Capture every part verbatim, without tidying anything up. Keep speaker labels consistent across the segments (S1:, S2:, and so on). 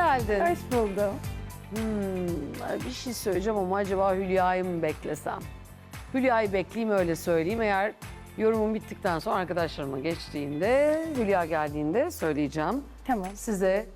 S1: geldin.
S2: Hoş buldum.
S1: Hmm, bir şey söyleyeceğim ama acaba Hülya'yı mı beklesem? Hülya'yı bekleyeyim öyle söyleyeyim. Eğer yorumum bittikten sonra arkadaşlarıma geçtiğinde, Hülya geldiğinde söyleyeceğim.
S2: Tamam.
S1: Size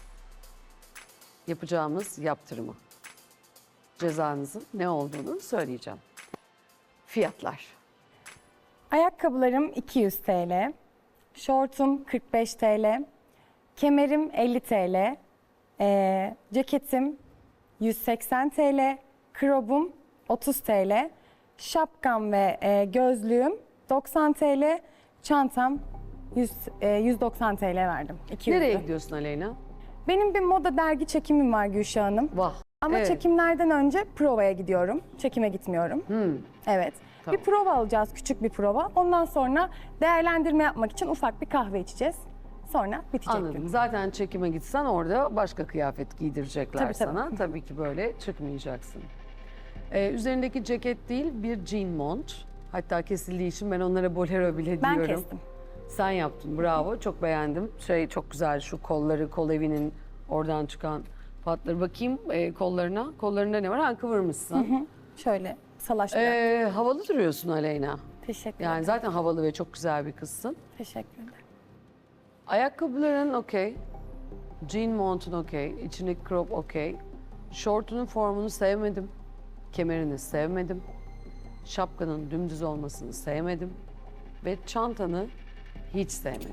S1: yapacağımız yaptırımı, cezanızın ne olduğunu söyleyeceğim. Fiyatlar.
S2: Ayakkabılarım iki yüz TL. Şortum kırk beş TL. Kemerim elli TL. Ee, ceketim yüz seksen TL. Krobum otuz TL. Şapkam ve e, gözlüğüm doksan TL. Çantam yüz, e, yüz doksan TL verdim. iki yüz.
S1: Nereye gidiyorsun Aleyna?
S2: Benim bir moda dergi çekimim var Gülşah Hanım.
S1: Vah.
S2: Ama
S1: Evet.
S2: çekimlerden önce provaya gidiyorum. Çekime gitmiyorum.
S1: Hmm.
S2: Evet.
S1: Tamam.
S2: Bir prova alacağız, küçük bir prova. Ondan sonra değerlendirme yapmak için ufak bir kahve içeceğiz. Sonra bitecek gün.
S1: Anladım. Zaten çekime gitsen orada başka kıyafet giydirecekler
S2: Tabii, tabii.
S1: sana. Tabii ki böyle çıkmayacaksın. Ee, üzerindeki ceket değil, bir jean mont. Hatta kesildiği için ben onlara bolero bile
S2: Ben
S1: diyorum.
S2: kestim.
S1: Sen yaptın, bravo. Çok beğendim. Şey çok güzel, şu kolları, kol evinin oradan çıkan patları. Bakayım e, kollarına. Kollarında ne var? Ha, kıvırmışsın.
S2: Şöyle salaş bir
S1: Ee, havalı duruyorsun Aleyna.
S2: Teşekkür
S1: Yani
S2: ederim.
S1: zaten havalı ve çok güzel bir kızsın.
S2: Teşekkür ederim.
S1: Ayakkabıların okey. Jean montun okey. İçindeki crop okey. Şortunun formunu sevmedim. Kemerini sevmedim. Şapkanın dümdüz olmasını sevmedim. Ve çantanı hiç sevmedim.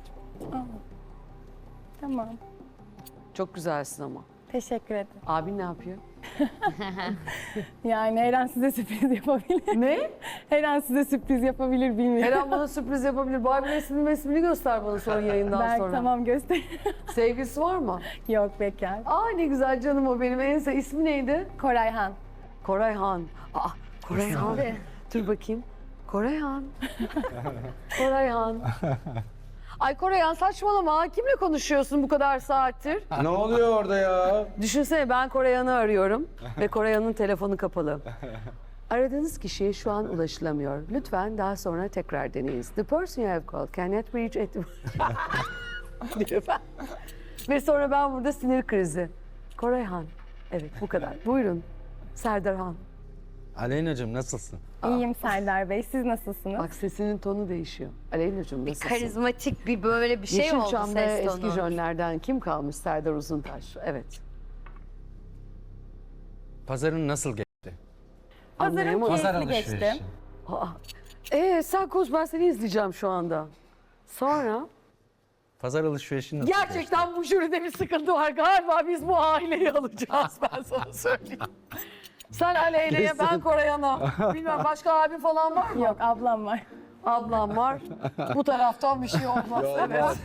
S2: Tamam.
S1: Çok güzelsin ama.
S2: Teşekkür ederim.
S1: Abin ne yapıyor?
S2: Yani her an size sürpriz yapabilir.
S1: Ne?
S2: Her an size sürpriz yapabilir
S1: Her
S2: bilmiyorum.
S1: an bana sürpriz yapabilir. Barbie resmini resmini göster bana sonra yayından
S2: Belki
S1: sonra.
S2: tamam göster.
S1: Sevgilisi var mı?
S2: Yok bekar.
S1: Aa ne güzel canım o benim. En sev ismi neydi?
S2: Korayhan.
S1: Korayhan. Aa Korayhan. Dur bakayım. Korayhan. Korayhan. Ay Korayhan saçmalama. Kimle konuşuyorsun bu kadar saattir?
S3: Ne oluyor orada ya?
S1: Düşünsene ben Korayhan'ı arıyorum ve Korayhan'ın telefonu kapalı. Aradığınız kişiye şu an ulaşılamıyor. Lütfen daha sonra tekrar deneyiniz. The person you have called cannot reach at... diyor ben. Ve sonra ben burada sinir krizi. Korayhan. Evet bu kadar. Buyurun. Serdar Han.
S3: Aleyna'cığım nasılsın?
S2: İyiyim Serdar Bey. Siz nasılsınız?
S1: Bak sesinin tonu değişiyor. Aleyna'cığım nasılsın?
S4: Karizmatik bir böyle bir şey oldu
S1: Yeşilçam'da
S4: ses tonu.
S1: eski jönlerden kim kalmış? Serdar Uzuntaş. Evet.
S3: Pazarın nasıl geçti?
S2: Pazarım
S1: Anlayamadım.
S2: keyifli geçti.
S1: Aa, Ee, sen konuş ben seni izleyeceğim şu anda. Sonra?
S3: Pazar alışverişi nasıl geçti?
S1: Gerçekten bu jüride bir sıkıntı var. Galiba biz bu aileyi alacağız ben sana söyleyeyim. Sen Aleyna'ya ben Korayhan'a. Bilmem başka abi falan var mı?
S2: Yok ablam var.
S1: Ablam var. Bu taraftan bir şey olmaz. Evet.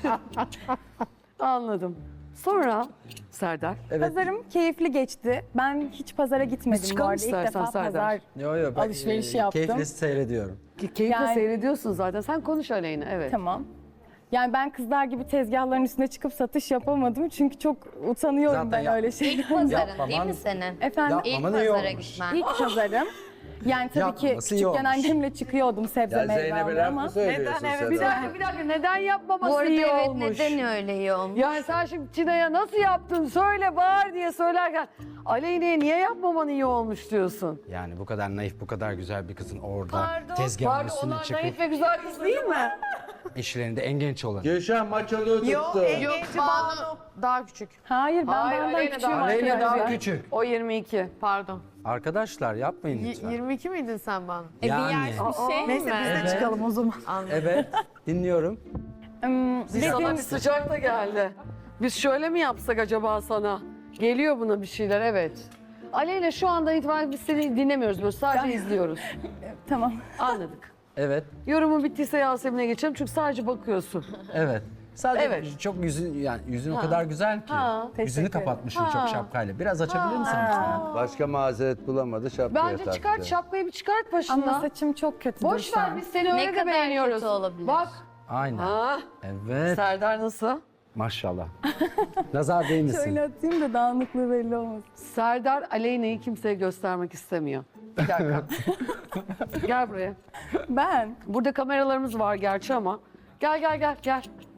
S1: Anladım. Sonra Serdar.
S3: Evet.
S2: Pazarım keyifli geçti. Ben hiç pazara gitmedim bu
S1: çıkalım
S2: arada. İlk
S1: istersen
S2: defa
S1: Serdar.
S2: pazar
S3: Yo, yo, ben,
S2: alışverişi
S3: e,
S2: yaptım.
S3: Keyifle seyrediyorum.
S1: Ke- Keyifle
S2: Yani-
S1: seyrediyorsun zaten. Sen konuş Aleyna. Evet.
S2: Tamam. Yani ben kızlar gibi tezgahların üstüne çıkıp satış yapamadım. Çünkü çok utanıyorum
S3: Zaten
S2: ben
S3: yap-
S2: öyle şeylerden.
S4: İlk pazarın
S3: Yapmaman-
S4: değil mi senin?
S2: Efendim
S3: Yapma.
S4: İlk
S3: Aman iyi
S4: pazara
S3: olmuş.
S4: gitmen.
S2: ilk pazarım. Yani tabii ki
S3: Yapmaması iyi
S2: küçükken
S3: olmuş.
S2: annemle çıkıyordum sebze
S3: Ya
S2: meyve
S3: Zeynep'e
S2: almaya
S3: laf
S2: ama.
S3: mı söylüyorsun
S1: Neden? Evet.
S3: sen?
S1: Bir dakika, bir dakika. Neden yapmaması
S4: Bu arada
S1: iyi
S4: evet
S1: olmuş?
S4: neden öyle iyi olmuş?
S1: Yani sen şimdi Tina'ya nasıl yaptın söyle bağır diye söylerken Aleyna'ya niye yapmaman iyi olmuş diyorsun?
S3: Yani bu kadar naif, bu kadar güzel bir kızın orada
S4: Pardon,
S3: tezgahın
S1: Pardon
S3: üstüne
S1: onlar
S3: çıkıp
S1: naif ve güzel kız değil mi?
S3: işlerinde en genç olan.
S5: Gülşen maç alıyor tuttu.
S4: Yok Banu daha küçük.
S2: Hayır ben
S1: Hayır,
S2: benden
S1: Aleyna
S2: küçüğüm
S1: daha- Aleyna
S2: arkadaşlar.
S1: daha
S3: küçük.
S1: O yirmi iki.
S4: Pardon.
S3: Arkadaşlar yapmayın lütfen.
S4: yirmi iki miydin sen Banu?
S3: Yani.
S4: şey Neyse biz de çıkalım o zaman.
S3: Evet, dinliyorum.
S2: Hmm,
S1: Biz sana
S2: dediğim-
S1: bir sıcak da geldi. Biz şöyle mi yapsak acaba sana? Geliyor buna bir şeyler evet. Aleyna şu anda itibaren biz seni dinlemiyoruz böyle sadece izliyoruz.
S2: Tamam.
S1: Anladık.
S3: Evet,
S1: Yorumu bittiyse Yasemin'e geçelim çünkü sadece bakıyorsun.
S3: evet. Sadece
S1: Evet.
S3: çok yüzün yani yüzün
S1: Ha.
S3: o kadar güzel ki.
S1: Ha.
S3: Yüzünü
S2: Teşekkür ederim.
S3: kapatmışsın
S1: Ha.
S3: çok şapkayla. Biraz açabilir misin lütfen?
S5: Başka mazeret bulamadı şapkaya
S1: Bence
S5: taktı.
S1: çıkart şapkayı bir çıkart başından.
S2: Ama saçım çok kötü.
S1: Boş ver biz seni öyle
S4: Ne
S1: de
S4: kadar
S1: beğeniyoruz.
S4: kötü olabilir?
S1: Bak.
S3: Aynen.
S1: Ha.
S3: Evet.
S1: Serdar nasıl?
S3: Maşallah. Nazar değmesin.
S2: Şöyle atayım da dağınıklığı belli olmasın.
S1: Serdar Aleyna'yı kimseye göstermek istemiyor. Bir dakika. Gel buraya.
S2: Ben
S1: Burada kameralarımız var gerçi ama. Gel gel gel gel.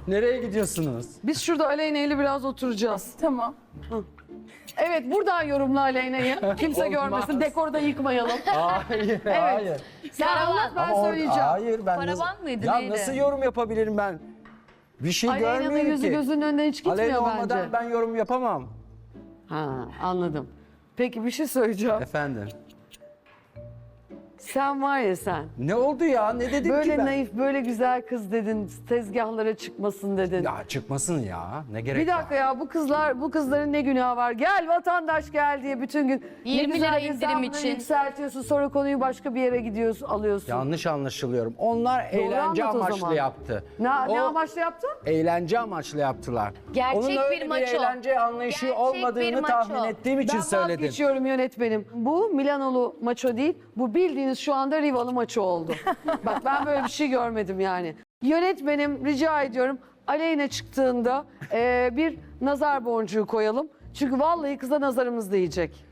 S3: Nereye gidiyorsunuz?
S1: Biz şurada Aleyna ile biraz oturacağız.
S2: Tamam.
S1: Evet, buradan yorumla Aleyna'yı. Kimse görmesin. Dekoru da yıkmayalım.
S3: Hayır, hayır.
S1: Sen anlat, ben
S3: Ama or-
S1: söyleyeceğim.
S3: Hayır, ben
S6: Paravan
S3: nasıl,
S6: mıydı,
S3: ya
S6: neydi?
S3: nasıl yorum yapabilirim ben? Bir şey
S1: Aleyna'nın
S3: görmüyorum
S1: yüzü
S3: ki.
S1: gözünün önünden hiç gitmiyor
S3: Aleyna
S1: bence.
S3: olmadan ben yorum yapamam.
S1: Ha, anladım. Peki bir şey söyleyeceğim.
S3: Efendim.
S1: Sen var ya sen.
S3: Ne oldu ya? Ne dedim ki
S1: Böyle
S3: ben?
S1: naif, böyle güzel kız dedin. Tezgahlara çıkmasın dedin.
S3: Ya çıkmasın ya. Ne gerek
S1: Bir dakika
S3: var?
S1: ya bu kızlar, bu kızların ne günahı var? Gel vatandaş gel diye bütün gün. ne
S6: yirmi
S1: güzel
S6: lira indirim
S1: hesabını
S6: için.
S1: Yükseltiyorsun, sonra konuyu başka bir yere gidiyorsun, alıyorsun.
S3: Yanlış anlaşılıyorum. Onlar eğlence
S1: anlat o
S3: amaçlı
S1: zaman.
S3: yaptı.
S1: Ne, ne
S3: O
S1: amaçlı yaptın?
S3: Eğlence amaçlı yaptılar.
S6: Gerçek
S3: Onun öyle
S6: bir maço.
S3: eğlence anlayışı
S6: Gerçek
S3: olmadığını
S6: bir maço.
S3: tahmin ettiğim için
S1: Ben
S3: söyledim.
S1: vazgeçiyorum yönetmenim. Bu Milanolu maço değil, bu bildiğiniz şu anda Rivalı maço oldu. Bak ben böyle bir şey görmedim yani. Yönetmenim rica ediyorum Aleyna çıktığında e, bir nazar boncuğu koyalım. Çünkü vallahi kıza nazarımız değecek.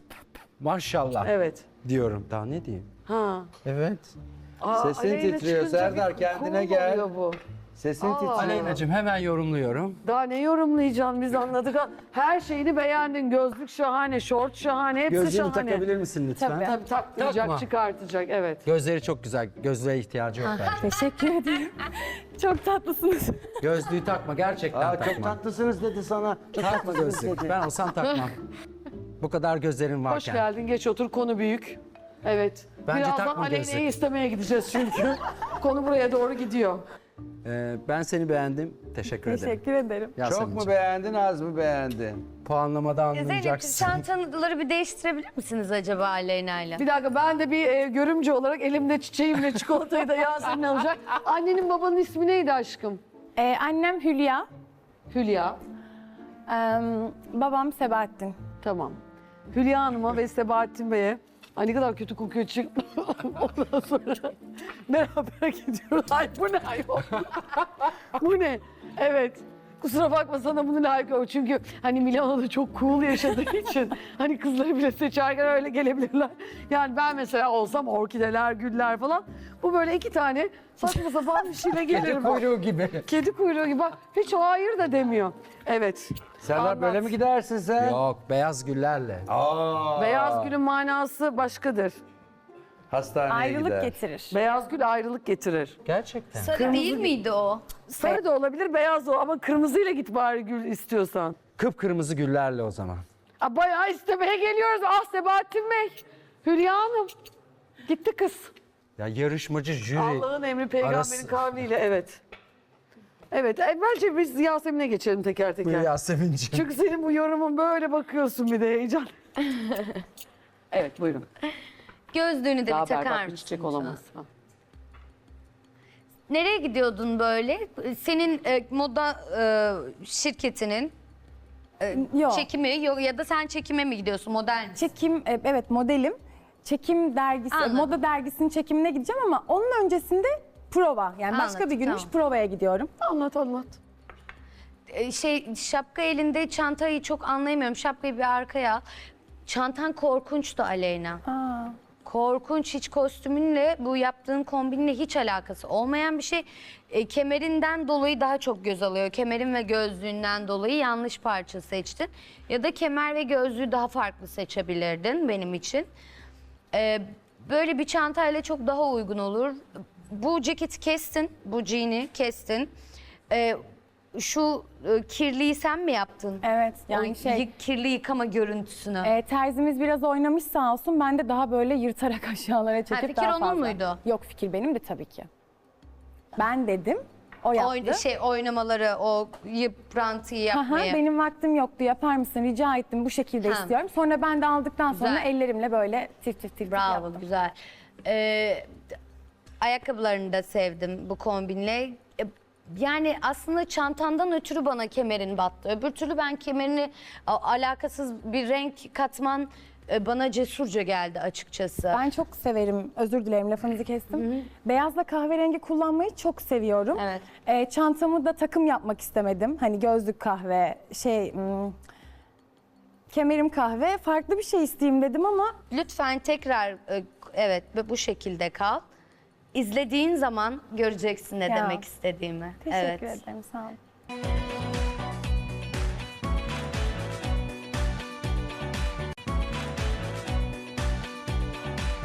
S3: Maşallah
S1: Evet.
S3: diyorum. Daha ne diyeyim?
S1: Ha.
S3: Evet.
S1: Aa,
S5: Sesin
S1: Aleyna
S5: titriyor,
S1: çıkınca
S5: Serdar,
S1: bir
S5: kendine
S1: cool
S5: gel.
S1: oluyor bu.
S5: Sesin
S1: Aa.
S5: titriyor.
S3: Aleyna'cığım hemen yorumluyorum.
S1: Daha ne yorumlayacaksın biz anladık. Her şeyini beğendin. Gözlük şahane, şort şahane, hepsi
S3: Gözlüğünü
S1: şahane.
S3: takabilir misin lütfen?
S2: Tabii.
S1: Tabii takmayacak,
S3: Takma.
S1: çıkartacak evet.
S3: Gözleri çok güzel. Gözlüğe ihtiyacı yok bence.
S2: Teşekkür ederim. Çok tatlısınız.
S3: Gözlüğü takma. Gerçekten
S5: Aa,
S3: takma.
S5: çok tatlısınız dedi sana. Çok
S3: Takma
S5: tatlısınız
S3: gözlük.
S5: dedi.
S3: Ben olsam takmam. Bu kadar gözlerin varken.
S1: Hoş geldin, geç otur. Konu büyük. Evet.
S3: Bence
S1: Birazdan
S3: takma
S1: Aleyna'yı
S3: gözlük.
S1: istemeye gideceğiz çünkü. Konu buraya doğru gidiyor.
S3: Ee, ben seni beğendim. Teşekkür ederim.
S2: Teşekkür ederim.
S5: Çok
S3: Yasemin'ciğim.
S5: mu beğendin, az mı beğendin?
S3: Puanlamada
S6: Zeynep
S3: anlayacaksın.
S6: çantaları bir değiştirebilir misiniz acaba Aleyna'yla?
S1: Bir dakika ben de bir e, görümce olarak elimde çiçeğimle çikolatayı da Yasemin alacak. Annenin babanın ismi neydi aşkım?
S2: Ee, annem Hülya,
S1: Hülya.
S2: ee, babam Sebahattin.
S1: Tamam. Hülya Hanım'a ve Sebahattin Bey'e. Ay ne kadar kötü kokuyor çık. Ondan sonra beraber gidiyoruz. Ay bu ne ayol? Bu ne? Evet. Kusura bakma sana bunu layık ol. Çünkü hani Milano'da çok cool yaşadığı için hani kızları bile seçerken öyle gelebilirler. Yani ben mesela olsam orkideler, güller falan. Bu böyle iki tane saçma sapan bir şeyle
S3: Kedi
S1: gelirim.
S3: kuyruğu gibi.
S1: Kedi kuyruğu gibi. Bak hiç hayır da demiyor. Evet.
S5: Serdar
S1: Anlat.
S5: böyle mi gidersin sen?
S3: Yok, beyaz güllerle.
S5: Aa,
S1: Beyaz gülün manası başkadır.
S5: hastaneye
S2: Ayrılık
S5: gider.
S2: getirir.
S1: Beyaz gül ayrılık getirir.
S3: Gerçekten.
S6: Sarı değil miydi o?
S1: Sarı da olabilir, beyaz da o ama kırmızıyla git bari gül istiyorsan.
S3: Kıpkırmızı güllerle o zaman.
S1: Aa, bayağı istemeye geliyoruz. Ah Sebahattin Bey, Hülya Hanım. Gitti kız.
S3: Ya yarışmacı jüri.
S1: Allah'ın emri peygamberin
S3: arası-
S1: kavliyle evet. Evet, e, bence biz Yasemin'e geçelim teker teker.
S3: Buyur Yasemin'ciğim.
S1: Çünkü senin bu yorumun böyle bakıyorsun bir de heyecan. Evet buyurun.
S6: Gözlüğünü de
S1: Daha
S6: bir takar
S1: berbat bir
S6: mısın?
S1: çiçek olamaz. Ha.
S6: Nereye gidiyordun böyle? Senin e, moda e, şirketinin
S2: Yok.
S6: çekimi yok ya da sen çekime mi gidiyorsun model misin?
S2: Çekim, e, evet modelim. Çekim dergisi,
S6: Anladım.
S2: moda dergisinin çekimine gideceğim ama onun öncesinde prova. Yani başka
S6: Anladım,
S2: bir günmüş
S6: tamam.
S2: provaya gidiyorum.
S1: Anlat anlat.
S6: E, şey şapka elinde çantayı çok anlayamıyorum. Şapkayı bir arkaya al. Çantan korkunçtu Aleyna.
S2: Aa.
S6: Korkunç, hiç kostümünle bu yaptığın kombinle hiç alakası olmayan bir şey. E, kemerinden dolayı daha çok göz alıyor. Kemerin ve gözlüğünden dolayı yanlış parça seçtin. Ya da kemer ve gözlüğü daha farklı seçebilirdin benim için. E, böyle bir çantayla çok daha uygun olur. Bu ceketi kestin, bu jean'i kestin. E, şu e, kirliyi sen mi yaptın?
S2: Evet yani
S6: O
S2: şey,
S6: yı- kirli yıkama görüntüsünü.
S2: e, terzimiz biraz oynamış sağ olsun. Ben de daha böyle yırtarak aşağılara çekip
S6: fikir
S2: daha
S6: onun
S2: fazla.
S6: muydu?
S2: Yok, fikir benim de tabii ki. Ben dedim, o yaptı.
S6: Oyn- şey oynamaları, o yıprantıyı
S2: Aha,
S6: yapmayı.
S2: benim vaktim yoktu, yapar mısın, rica ettim, bu şekilde
S6: Ha.
S2: istiyorum. Sonra ben de aldıktan sonra
S6: Güzel.
S2: ellerimle böyle tif tif tif
S6: Bravo,
S2: yaptım.
S6: güzel. Ee, ayakkabılarını da sevdim bu kombinle. E, Yani aslında çantandan ötürü bana kemerin battı. Öbür türlü ben kemerini a- alakasız bir renk katman e, bana cesurca geldi açıkçası.
S2: Ben çok severim, özür dilerim lafınızı kestim. Beyazla kahverengi kullanmayı çok seviyorum.
S6: Evet.
S2: Ee, çantamı da takım yapmak istemedim. Hani gözlük kahve, şey... hmm, kemerim kahve, farklı bir şey isteyeyim dedim ama
S6: Lütfen tekrar e, evet bu şekilde kal. izlediğin zaman göreceksin ne
S2: Ya.
S6: demek istediğimi.
S2: Teşekkür
S6: Evet.
S2: ederim. Sağ olun.